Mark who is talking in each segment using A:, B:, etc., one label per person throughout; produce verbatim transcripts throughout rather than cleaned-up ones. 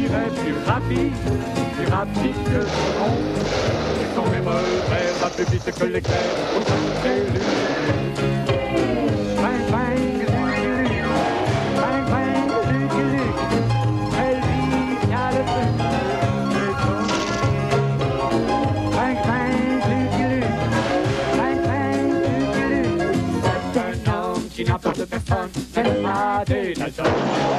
A: irait plus rapide, plus rapide que le son. Et son même rêve va plus vite que l'éclair. Au sein de lui. Bang, bang, luc, bang, bang, luc, luc. Elle vit bien le feu. Bang, bang, luc, luc. Bang, bang, luc, luc. C'est un homme qui n'a peur de personne. C'est pas des Dalton.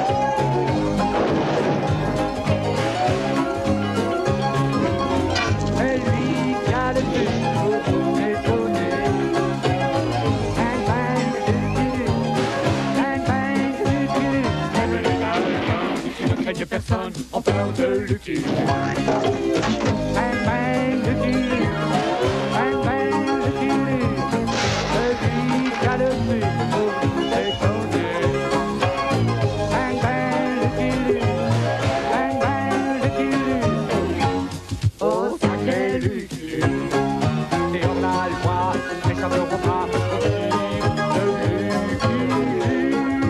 A: Personne en peur de Lucky. Bang bang Lucky Luke. Bang bang Lucky Luke. Celui qui a le plus pour déconner. Bang bang Lucky Luke. Bang bang Lucky Luke. Oh sacré Lucky Luke. Et on a le droit, mais ça ne vaut pas de Lucky Luke.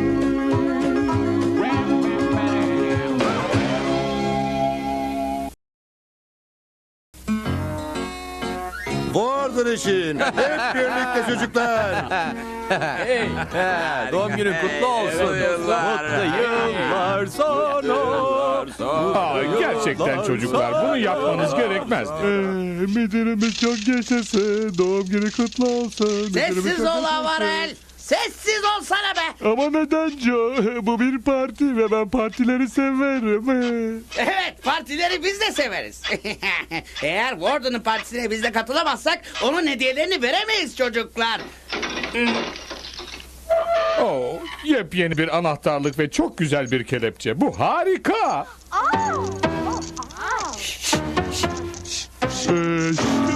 B: Warden için. Hep birlikte çocuklar.
C: Hey, doğum günün kutlu olsun.
D: Mutlu yıllar.
C: Mutlu yıllar sana.
E: Aa, gerçekten çocuklar bunu yapmanız gerekmez. Ee, müdürümüz çok yaşasın. Doğum günü kutlu olsun. Müdürümüz
D: Sessiz
E: çok
D: ol
E: yaşasın.
D: Avarel. Sessiz olsana be.
E: Ama neden Joe? Bu bir parti ve ben partileri severim.
D: Evet, partileri biz de severiz. Eğer Warden'ın partisine biz de katılamazsak onun hediyelerini veremeyiz çocuklar.
E: Oo, yepyeni bir anahtarlık ve çok güzel bir kelepçe. Bu harika. Ee,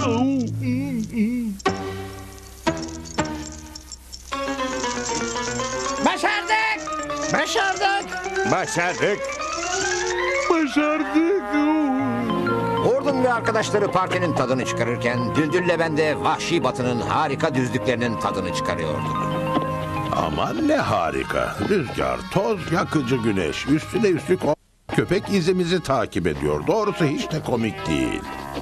D: Başardık. Başardık.
B: Başardık.
E: Başardık.
F: Warden ve arkadaşları partinin tadını çıkarırken Düldül'le ben de Vahşi Batı'nın harika düzlüklerinin tadını çıkarıyorduk.
G: Aman ne harika. Rüzgar, toz, yakıcı güneş. Üstüne üstlük o köpek izimizi takip ediyor. Doğrusu hiç de komik değil.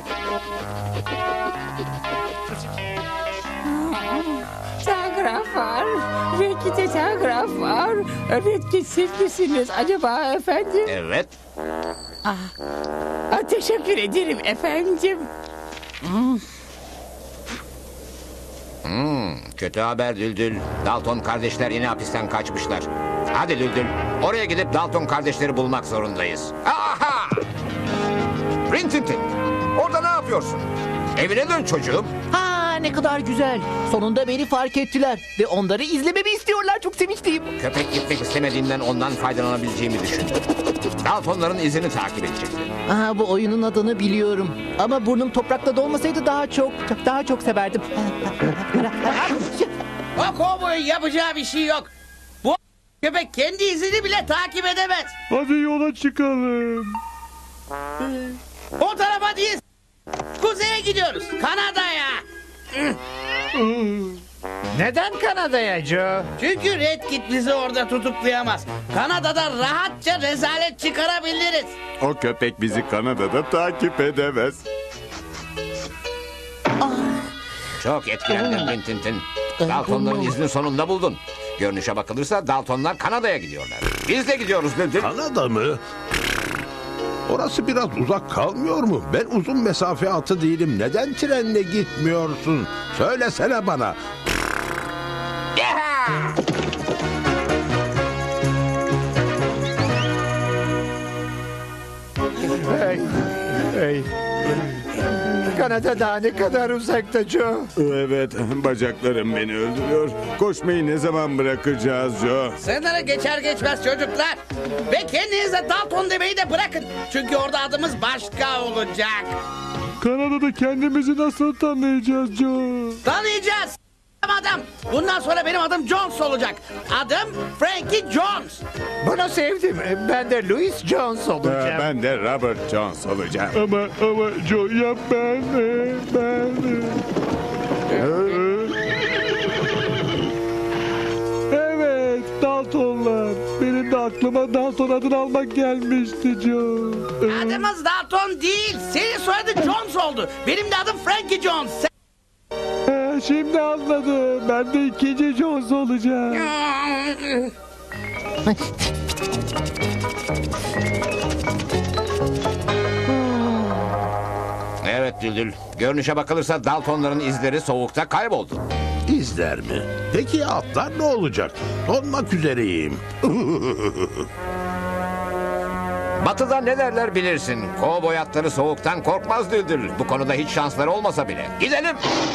H: Telgraf var. Redkit'e telgraf var. Redkit siz misiniz acaba efendim?
F: Evet.
H: Ah, teşekkür ederim efendim.
F: Hmm, kötü haber Düldül. Dalton kardeşler yine hapisten kaçmışlar. Hadi Düldül, oraya gidip Dalton kardeşleri bulmak zorundayız. Aha! Rintintin, orada ne yapıyorsun? Evine dön çocuğum.
I: Ha ne kadar güzel. Sonunda beni fark ettiler ve onları izlememi istiyorlar. Çok sevinçliyim.
F: Köpek gitmek istemediğinden ondan faydalanabileceğimi düşündüm. Daltonların izini takip edecektim.
I: Aha, bu oyunun adını biliyorum. Ama burnum toprakta dolmasaydı daha çok, daha çok severdim.
D: O kovboyun yapacağı bir şey yok. Bu köpek kendi izini bile takip edemez.
E: Hadi yola çıkalım.
D: O tarafa değil. Kuzeye gidiyoruz. Kanada'ya.
C: Neden Kanada'ya Joe?
D: Çünkü Redkit bizi orada tutuklayamaz. Kanada'da rahatça rezalet çıkarabiliriz.
B: O köpek bizi Kanada'da takip edemez.
F: Çok etkilendim Rintintin. Daltonların izini sonunda buldun. Görünüşe bakılırsa Daltonlar Kanada'ya gidiyorlar. Biz de gidiyoruz Düldül.
G: Kanada mı? Orası biraz uzak kalmıyor mu? Ben uzun mesafe atı değilim. Neden trenle gitmiyorsun? Söylesene bana.
C: Hey, hey. Kanada daha ne kadar uzakta Joe?
B: Evet, bacaklarım beni öldürüyor. Koşmayı ne zaman bırakacağız Joe?
D: Sınırı geçer geçmez çocuklar. Ve kendinize Dalton demeyi de bırakın. Çünkü orada adımız başka olacak.
E: Kanada'da kendimizi nasıl tanıyacağız Joe?
D: Tanıyacağız. Adam. Bundan sonra benim adım Jones olacak. Adım Frankie Jones.
C: Bunu sevdim. Ben de Louis Jones
B: Ee,
C: olacağım.
B: Ben de Robert Jones olacağım.
E: Ama ama Joe ya ben de, ben de. Evet Daltonlar. Benim de aklım zaman Dalton adını almak gelmişti Joe.
D: Adımız Dalton değil. Senin soyadın Jones oldu. Benim de adım Frankie Jones. Sen...
E: Ee, şimdi anladım. Ben de ikinci Jones olacağım.
F: Evet Düldül. Görünüşe bakılırsa Daltonların izleri soğukta kayboldu.
G: İzler mi? Peki ya atlar ne olacak? Donmak üzereyim.
F: Batı'da ne derler bilirsin. Kovboy atları soğuktan korkmaz Düldül. Bu konuda hiç şansları olmasa bile. Gidelim.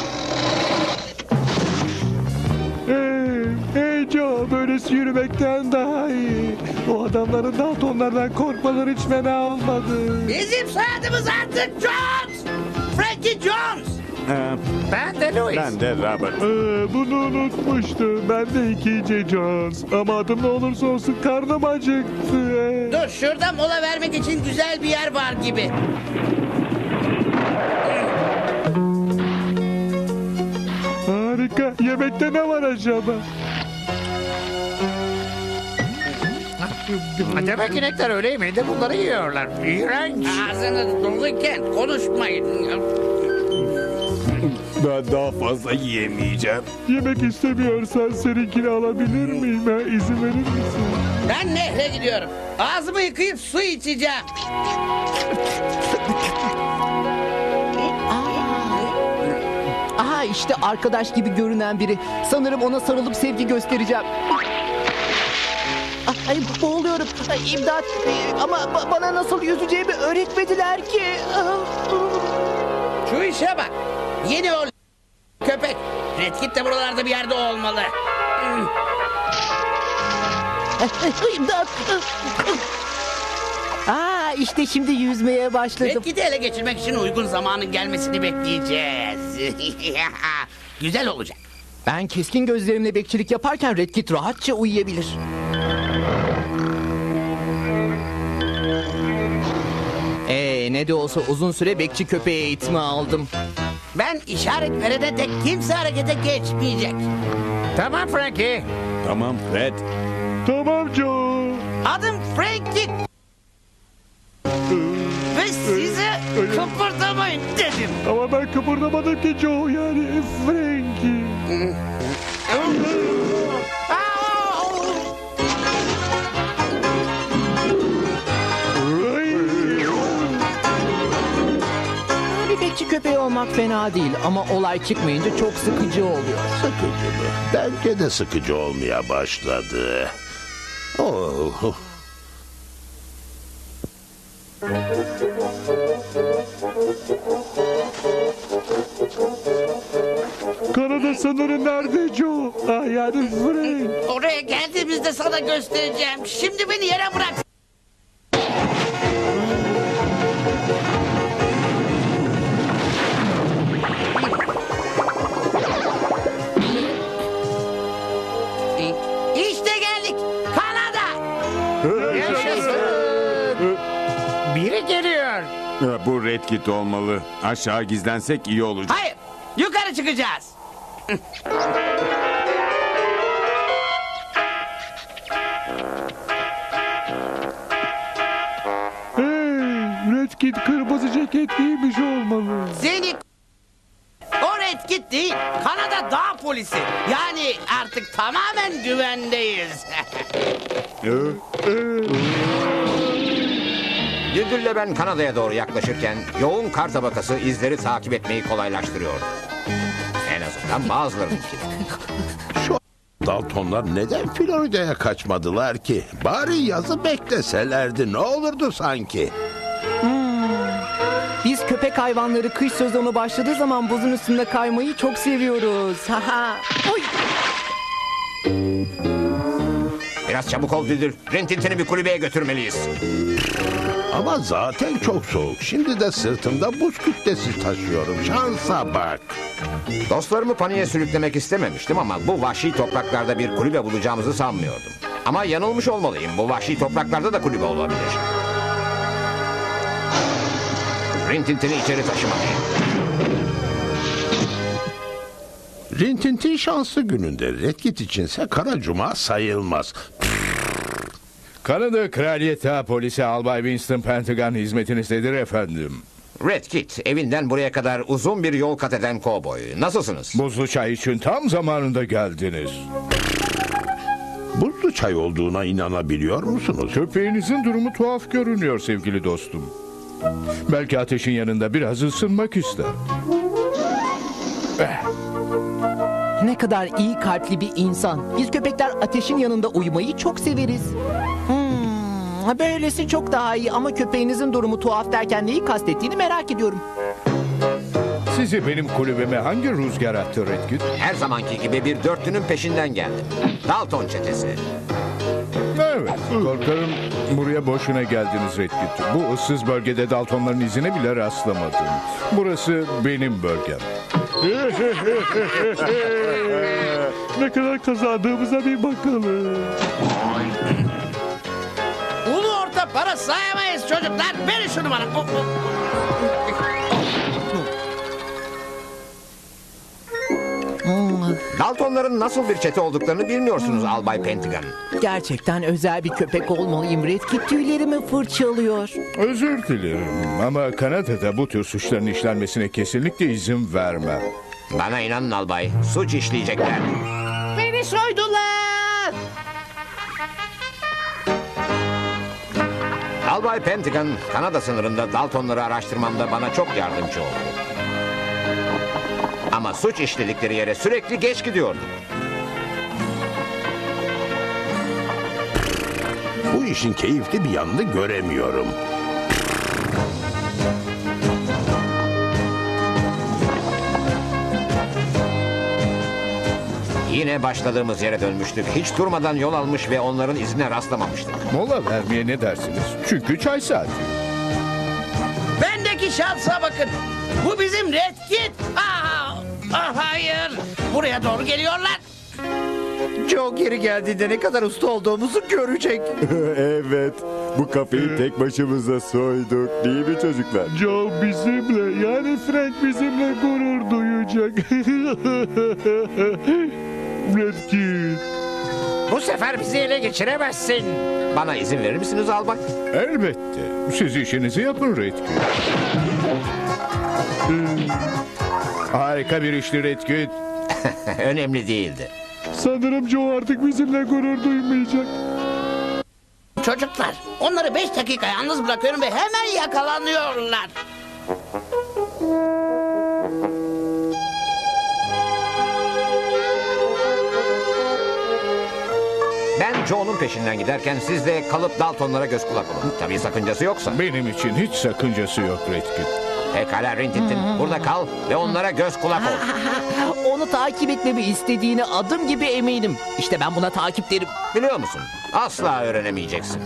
E: Hey, hey Joe, böylesi yürümekten daha iyi. O adamların Daltonlardan korkmaları hiç fena olmadı.
D: Bizim soyadımız artık Jones. Frankie Jones.
B: Ee,
D: Ben de Louis.
B: ben de Robert.
E: Ee, bunu unutmuştum. Ben de ikinci Jones. Ama adım ne olursa olsun karnım acıktı. Ee.
D: Dur şurada mola vermek için güzel bir yer var gibi.
E: Harika. Yemekte ne var acaba?
C: Demek inekler öğle yemeğinde bunları yiyorlar. İğrenç.
D: Ağzınız doluyken konuşmayın.
B: Ben daha fazla yiyemeyeceğim.
E: Yemek istemiyorsan seninkini alabilir miyim? Ha? İzin verir misin?
D: Ben nehre gidiyorum. Ağzımı yıkayıp su içeceğim.
I: Aha işte arkadaş gibi görünen biri. Sanırım ona sarılıp sevgi göstereceğim. Ay boğuluyorum. Ay, İmdat. Ee, Ama ba- bana nasıl yüzeceğimi öğretmediler ki.
D: Şu işe bak. Yeni o köpek. Redkit de buralarda bir yerde olmalı.
I: İmdat. Aa işte şimdi yüzmeye başladım.
D: Redkit'i ele geçirmek için uygun zamanın gelmesini bekleyeceğiz. Güzel olacak.
I: Ben keskin gözlerimle bekçilik yaparken Redkit rahatça uyuyabilir. Ee, ne de olsa uzun süre bekçi köpeği eğitimi aldım.
D: Ben işaret verene dek kimse harekete geçmeyecek.
C: Tamam Frankie.
B: Tamam Fred.
E: Tamam Joe.
D: Adım Frankie. Ve size kıpırdamayın dedim.
E: Ama ben kıpırdamadım ki Joe, yani Frankie.
I: Bir bekçi köpeği olmak fena değil ama olay çıkmayınca çok sıkıcı oluyor.
G: Sıkıcı mı? Bence de sıkıcı olmaya başladı. Oh.
E: Kanada sınırı nerede Joe? Ah yani Frank.
D: Oraya geldiğimizde sana göstereceğim. Şimdi beni yere bırak. İşte geldik. Kanada.
C: Biri geliyor.
B: Ee, Bu Redkit olmalı. Aşağı gizlensek iyi olacak.
D: Hayır. Yukarı çıkacağız.
E: Hey, Redkit kırmızı ceket giymiş olmalı.
D: Seni o Redkit değil. Kanada dağ polisi. Yani artık tamamen güvendeyiz.
F: Düldül'le ben Kanada'ya doğru yaklaşırken yoğun kar tabakası izleri takip etmeyi kolaylaştırıyordu. En azından bazılarınınki.
G: Şu Daltonlar neden Florida'ya kaçmadılar ki? Bari yazı bekleselerdi ne olurdu sanki?
I: Biz köpek hayvanları kış sezonu başladığı zaman buzun üstünde kaymayı çok seviyoruz. Haha. Oy.
F: Biraz çabuk ol Düldül. Rintintin'i bir kulübeye götürmeliyiz.
G: Ama zaten çok soğuk. Şimdi de sırtımda buz kütlesi taşıyorum. Şansa bak.
F: Dostlarımı paniğe sürüklemek istememiştim ama bu vahşi topraklarda bir kulübe bulacağımızı sanmıyordum. Ama yanılmış olmalıyım. Bu vahşi topraklarda da kulübe olabilir. Rintintin'i içeri taşımalıyım.
G: Rintintin şanslı gününde Redkit içinse kara cuma sayılmaz.
E: Kanada Kraliyet Ağ Polisi Albay Winston Pentagon hizmetinizdedir efendim.
F: Red Kit, evinden buraya kadar uzun bir yol kat eden kovboy. Nasılsınız?
E: Buzlu çay için tam zamanında geldiniz.
G: Buzlu çay olduğuna inanabiliyor musunuz?
E: Köpeğinizin durumu tuhaf görünüyor sevgili dostum. Belki ateşin yanında biraz ısınmak ister.
I: Ne kadar iyi kalpli bir insan. Biz köpekler ateşin yanında uyumayı çok severiz. Hmm, böylesi çok daha iyi ama köpeğinizin durumu tuhaf derken neyi kastettiğini merak ediyorum.
E: Sizi benim kulübeme hangi rüzgar attı Redkit?
F: Her zamanki gibi bir dörtlünün peşinden geldim. Dalton çetesi.
E: Evet, korkarım buraya boşuna geldiniz Redkit. Bu ıssız bölgede Daltonların izine bile rastlamadım. Burası benim bölgem.
A: Ne kadar kazandığımıza bir bakalım.
D: Ulu orta para sayamayız çocuklar. Verin şunu bana. Oh, oh.
F: Daltonların nasıl bir çete olduklarını bilmiyorsunuz Albay Pentagon.
I: Gerçekten özel bir köpek olmalıyım. Redkit tüylerimi fırçalıyor.
E: Özür dilerim ama Kanada'da bu tür suçların işlenmesine kesinlikle izin vermem.
F: Bana inanın albay, suç işleyecekler.
H: Beni soydular.
F: Albay Pentagon, Kanada sınırında Daltonları araştırmamda bana çok yardımcı oldu. Ama suç işledikleri yere sürekli geç gidiyordum.
G: Bu işin keyifli bir yanını göremiyorum.
F: Yine başladığımız yere dönmüştük. Hiç durmadan yol almış ve onların izine rastlamamıştık.
E: Mola vermeye ne dersiniz? Çünkü çay saati.
D: Bendeki şansa bakın. Bu bizim Red Kit. Aa, ah, hayır. Buraya doğru geliyorlar.
C: Joe geri geldiğinde ne kadar usta olduğumuzu görecek.
B: Evet, bu kafeyi tek başımıza soyduk değil mi çocuklar?
A: Joe bizimle, yani Frank bizimle gurur duyacak. Redkit.
C: Bu sefer bizi ele geçiremezsin.
F: Bana izin verir misiniz albay?
E: Elbette. Siz işinizi yapın Redkit. Harika bir işti Redkit.
F: Önemli değildi.
A: Sanırım Joe artık bizimle gurur duymayacak.
D: Çocuklar, onları beş dakika yalnız bırakıyorum ve hemen yakalanıyorlar.
F: Ben Joe'nun peşinden giderken siz de kalıp Daltonlara göz kulak olun. Tabii sakıncası yoksa.
E: Benim için hiç sakıncası yok Redkit.
F: Pekala Rintintin, burada kal ve onlara göz kulak ol.
I: Onu takip etmemi istediğine adım gibi eminim. İşte ben buna takip derim.
F: Biliyor musun? Asla öğrenemeyeceksin.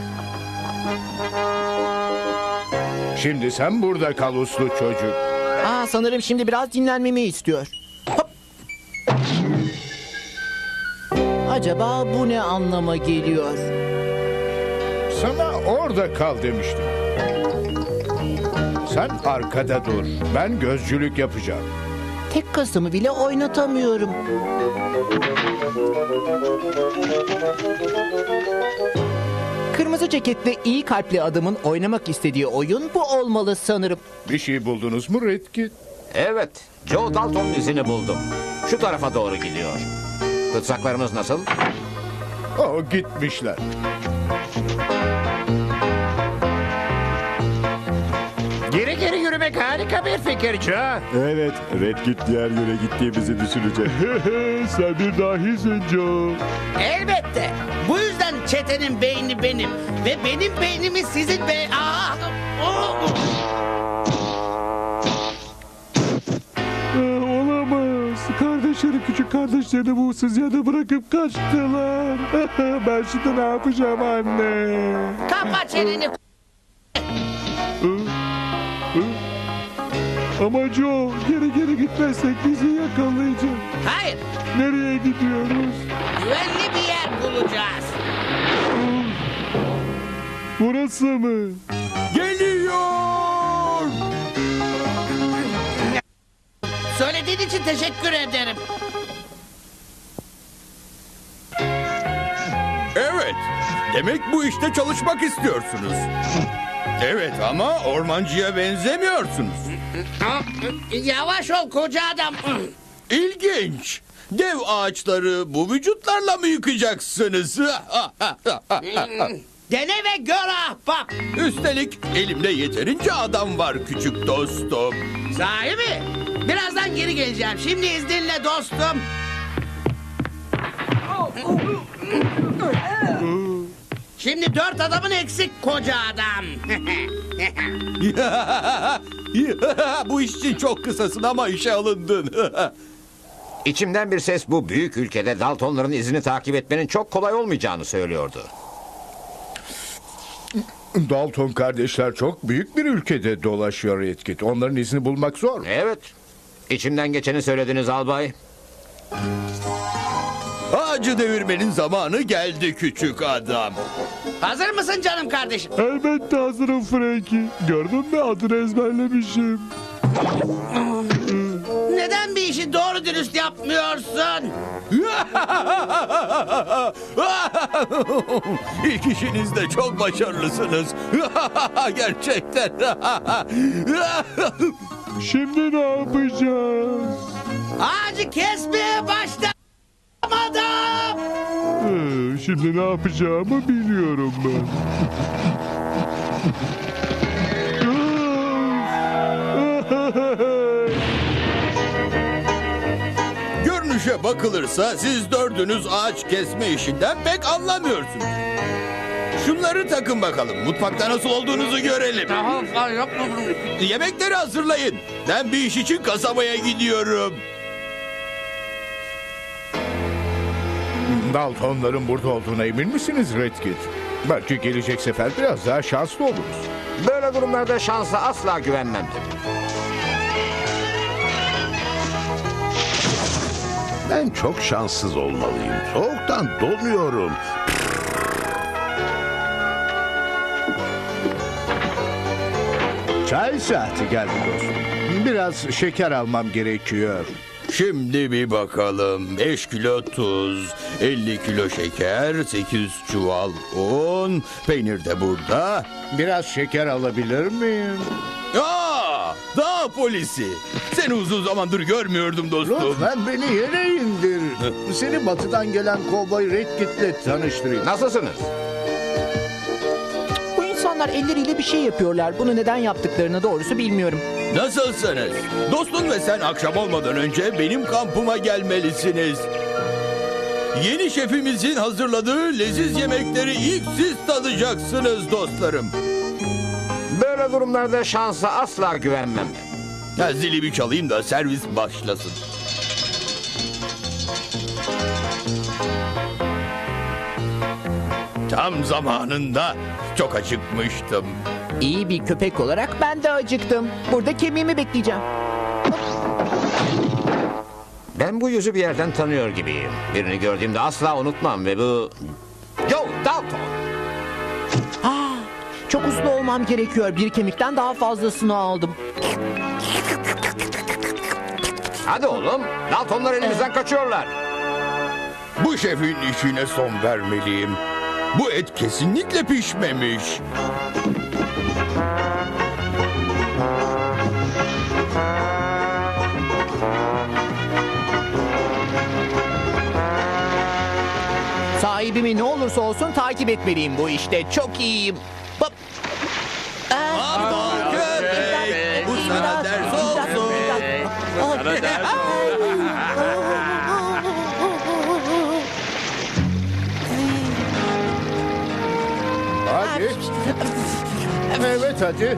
E: Şimdi sen burada kal uslu çocuk.
I: Aa, sanırım şimdi biraz dinlenmemi istiyor. Hop. Acaba bu ne anlama geliyor?
E: Sana orada kal demiştim. Sen arkada dur. Ben gözcülük yapacağım.
I: Tek kasımı bile oynatamıyorum. Kırmızı ceketli iyi kalpli adamın oynamak istediği oyun bu olmalı sanırım.
E: Bir şey buldunuz mu Redkit?
F: Evet, Joe Dalton'un izini buldum. Şu tarafa doğru gidiyor. Tutsaklarımız nasıl?
E: O gitmişler.
C: Geri geri yürümek harika bir fikir Joe.
B: Evet, Redkit diğer yöne gittiğimizi düşünecek.
A: Sen bir dahisin Joe.
D: Elbette. Bu yüzden çetenin beyni benim. Ve benim beynimi sizin be... Aa, oh.
A: Aa, olamaz. Kardeşleri küçük kardeşlerini bu ıssız yerde bırakıp kaçtılar. Ben şimdi ne yapacağım anne?
D: Kapa çeneni.
A: Ama Joe, geri geri gitmezsek bizi yakalayacak.
D: Hayır.
A: Nereye gidiyoruz?
D: Güvenli bir yer bulacağız.
A: Burası mı?
B: Geliyor!
D: Söylediğin için teşekkür ederim.
B: Evet,
J: Demek bu işte çalışmak istiyorsunuz. Evet ama ormancıya benzemiyorsunuz.
D: Yavaş ol koca adam.
J: İlginç. Dev ağaçları bu vücutlarla mı yıkacaksınız?
D: Dene ve gör ahbap.
J: Üstelik elimde yeterince adam var küçük dostum.
D: Sahi mi? Birazdan geri geleceğim. Şimdi izninle dostum. Şimdi dört adamın eksik koca adam.
J: Bu iş için çok kısasın ama işe alındın.
F: İçimden bir ses bu büyük ülkede Daltonların izini takip etmenin çok kolay olmayacağını söylüyordu.
E: Dalton kardeşler çok büyük bir ülkede dolaşıyor Redkit. Onların izini bulmak zor.
F: Evet. İçimden geçeni söylediniz albay.
J: Ağacı devirmenin zamanı geldi küçük adam.
D: Hazır mısın canım kardeşim?
B: Elbette hazırım Frankie. Gördün mü, adını ezberlemişim.
D: Neden bir işi doğru dürüst yapmıyorsun?
J: İlk işinizde çok başarılısınız. Gerçekten.
B: Şimdi ne yapacağız?
D: Ağacı kesmeye başlamadım.
B: Ee, Şimdi ne yapacağımı biliyorum ben.
J: Görünüşe bakılırsa siz dördünüz ağaç kesme işinden pek anlamıyorsunuz. Şunları takın bakalım. Mutfakta nasıl olduğunuzu görelim. Yemekleri hazırlayın. Ben bir iş için kasabaya gidiyorum.
E: Daltonların burada olduğuna emin misiniz Redkit? Belki gelecek sefer biraz daha şanslı oluruz.
F: Böyle durumlarda şansa asla güvenmem.
G: Ben çok şanssız olmalıyım. Soğuktan donuyorum.
E: Çay saati geldi dostum. Biraz şeker almam gerekiyor.
J: Şimdi bir bakalım. beş kilo tuz, elli kilo şeker, sekiz çuval un, peynir de burada.
E: Biraz şeker alabilir miyim?
J: Aa, dağ polisi. Seni uzun zamandır görmüyordum dostum.
E: Lütfen beni yere indir. Seni batıdan gelen kovboy Redkit'le tanıştırayım.
F: Nasılsınız?
I: Bu insanlar elleriyle bir şey yapıyorlar. Bunu neden yaptıklarını doğrusu bilmiyorum.
J: Nasılsınız? Dostun ve sen akşam olmadan önce benim kampıma gelmelisiniz. Yeni şefimizin hazırladığı leziz yemekleri ilk siz tadacaksınız dostlarım.
F: Böyle durumlarda şansa asla güvenmem.
J: Ya zili bir çalayım da servis başlasın. Tam zamanında çok acıkmıştım.
I: İyi bir köpek olarak ben de acıktım. Burada kemiğimi bekleyeceğim.
F: Ben bu yüzü bir yerden tanıyor gibiyim. Birini gördüğümde asla unutmam ve bu... Joe Dalton!
I: Ah, çok uslu olmam gerekiyor. Bir kemikten daha fazlasını aldım.
F: Hadi oğlum, Daltonlar elimizden kaçıyorlar.
J: Bu şefin işine son vermeliyim. Bu et kesinlikle pişmemiş.
I: Sahibimi ne olursa olsun takip etmeliyim bu işte. Çok iyiyim. Hop. Ah,
J: Aman köpek, bu sana ders olsun.
E: Hadi. Evet hadi.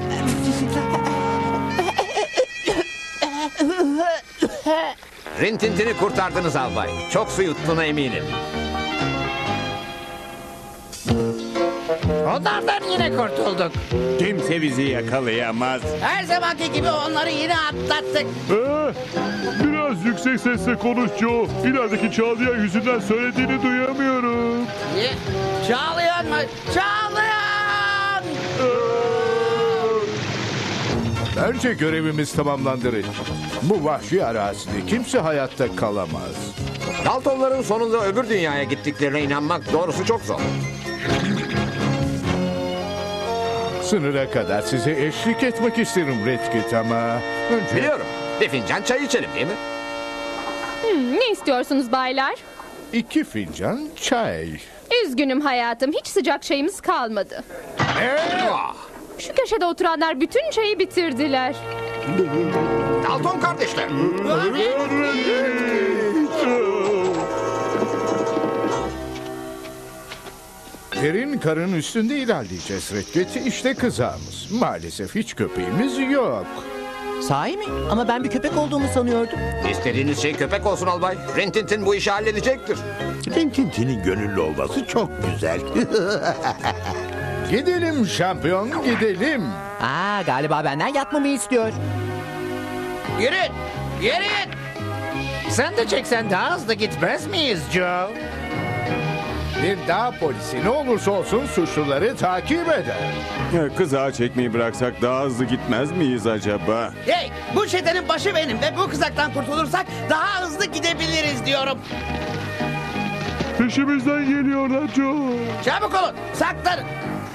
F: Rintintin'i kurtardınız albay. Çok su yuttuğuna eminim.
D: Onlardan yine kurtulduk.
B: Kimse bizi yakalayamaz.
D: Her zamanki gibi onları yine atlattık.
B: Ee, biraz yüksek sesle konuş Joe. İlerideki Çağlayan yüzünden söylediğini duyamıyorum.
D: Ne? Çağlayan mı? Çağlayan!
E: Bence görevimiz tamamlandı Redkit. Bu vahşi arazide kimse hayatta kalamaz.
F: Daltonların sonunda öbür dünyaya gittiklerine inanmak doğrusu çok zor.
E: Sınıra kadar size eşlik etmek isterim Redkit ama... Önce...
F: Biliyorum. Bir fincan çay içelim değil mi?
K: Hmm, ne istiyorsunuz baylar?
E: İki fincan çay.
K: Üzgünüm hayatım, hiç sıcak çayımız kalmadı.
F: Ah,
K: Şu köşede oturanlar bütün çayı bitirdiler.
F: Dalton kardeşler.
E: Derin karın üstünde ilerleyeceğiz Redkit. İşte kızağımız. Maalesef hiç köpeğimiz yok.
I: Sahi mi? Ama ben bir köpek olduğumu sanıyordum.
F: İstediğiniz şey köpek olsun albay. Rintintin bu işi halledecektir.
G: Rintintin'in gönüllü olması çok güzel.
E: Gidelim şampiyon, gidelim.
I: Aa, galiba benden yatmamı istiyor.
D: Yürüyün. Yürüyün.
C: Sen de çeksen daha hızlı gitmez miyiz Joe?
E: Bir dağ polisi ne olursa olsun suçluları takip eder.
L: Kızağı çekmeyi bıraksak daha hızlı gitmez miyiz acaba?
D: Hey, bu çetenin başı benim ve bu kızaktan kurtulursak daha hızlı gidebiliriz diyorum.
B: Peşimizden geliyorlar Joe.
D: Çabuk olun, saklanın.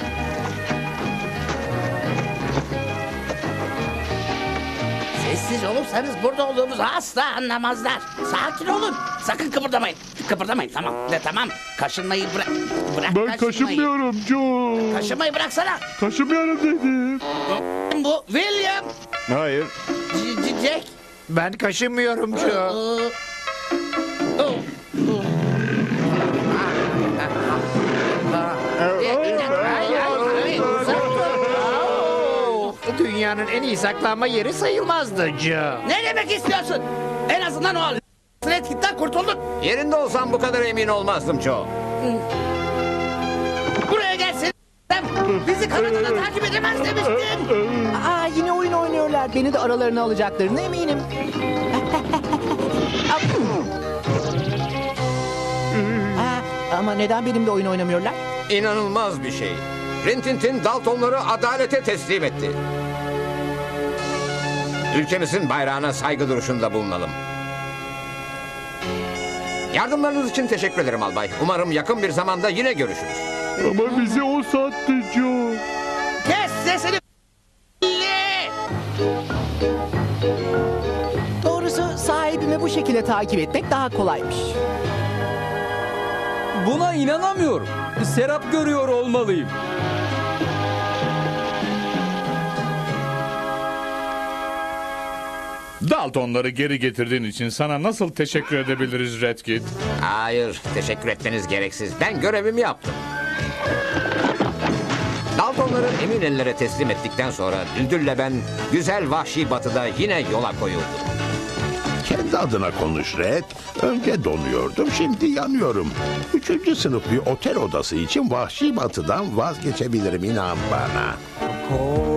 D: Sessiz olursanız burada olduğumuzu asla anlamazlar. Sakin olun. Sakın kıpırdamayın. Kıpırdamayın, tamam. De, tamam. Kaşınmayı bırak. Bırak
B: Ben kaşınmıyorum Joe.
D: Kaşınmayı bıraksana.
B: Kaşınmıyorum dedim.
D: Bu William.
L: Hayır.
D: C- C- Jack.
C: Ben kaşınmıyorum Joe.
D: Ee, oh.
C: Dünyanın en iyi saklanma yeri sayılmazdı Joe.
D: Ne demek istiyorsun? En azından o Redkit'ten kurtuldun.
F: Yerinde olsam bu kadar emin olmazdım Joe.
D: Buraya gelsin. Bizi kanadına takip edemez demiştin.
I: Aa, yine oyun oynuyorlar. Beni de aralarına alacaklarına eminim. Aa, ama neden benimle oyun oynamıyorlar?
F: İnanılmaz bir şey. Rintintin Daltonları adalete teslim etti. Ülkemizin bayrağına saygı duruşunda bulunalım. Yardımlarınız için teşekkür ederim albay. Umarım yakın bir zamanda yine görüşürüz.
B: Ama bizi o sattı Joe.
D: Kes sesini.
I: Doğrusu sahibimi bu şekilde takip etmek daha kolaymış.
J: Buna inanamıyorum. Serap görüyor olmalıyım.
B: Daltonları geri getirdiğin için sana nasıl teşekkür edebiliriz Redkit?
F: Hayır, teşekkür etmeniz gereksiz. Ben görevimi yaptım. Daltonları emin ellere teslim ettikten sonra Düldül'le ben güzel vahşi batıda yine yola koyuldum.
G: Kendi adına konuş Red. Önce donuyordum, şimdi yanıyorum. Üçüncü sınıf bir otel odası için vahşi batıdan vazgeçebilirim, inan bana.